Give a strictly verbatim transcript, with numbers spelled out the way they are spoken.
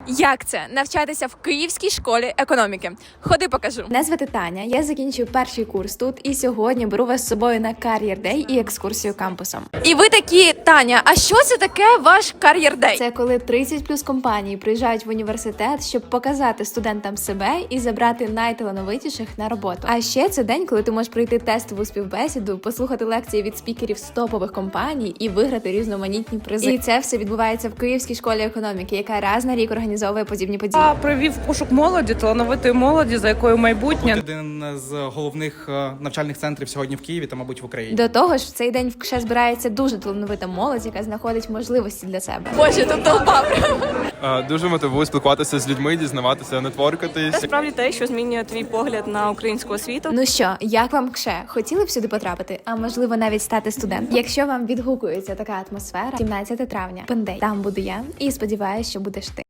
Як це навчатися в Київській школі економіки? Ходи, покажу. Мене звати Таня, я закінчую перший курс тут і сьогодні беру вас з собою на Career Day і екскурсію кампусом. І ви такі, Таня, а що це таке ваш Career Day? Це коли тридцять плюс компаній приїжджають в університет, щоб показати студентам себе і забрати найталановитіших на роботу. А ще це день, коли ти можеш пройти тестову співбесіду, послухати лекції від спікерів з топових компаній і виграти різноманітні призи. І це все відбувається в Київській школі економіки, яка раз на рік організовує подібні події. Я провів пошук молоді, талановитої молоді, за якою майбутнє. Один з головних е, навчальних центрів сьогодні в Києві та, мабуть, в Україні. До того ж, в цей день в КШЕ збирається дуже талановита молодь, яка знаходить можливості для себе. Боже, тут толпа. Е, Дуже мотивую спілкуватися з людьми, дізнаватися, нетворкатись. Це справді те, що змінює твій погляд на українську освіту. Ну що, як вам КШЕ? Хотіли б сюди потрапити? А можливо навіть стати студентом? Якщо вам відгукується така атмосфера, сімнадцяте травня, Пендей, там буду я і сподіваюся, що будеш ти.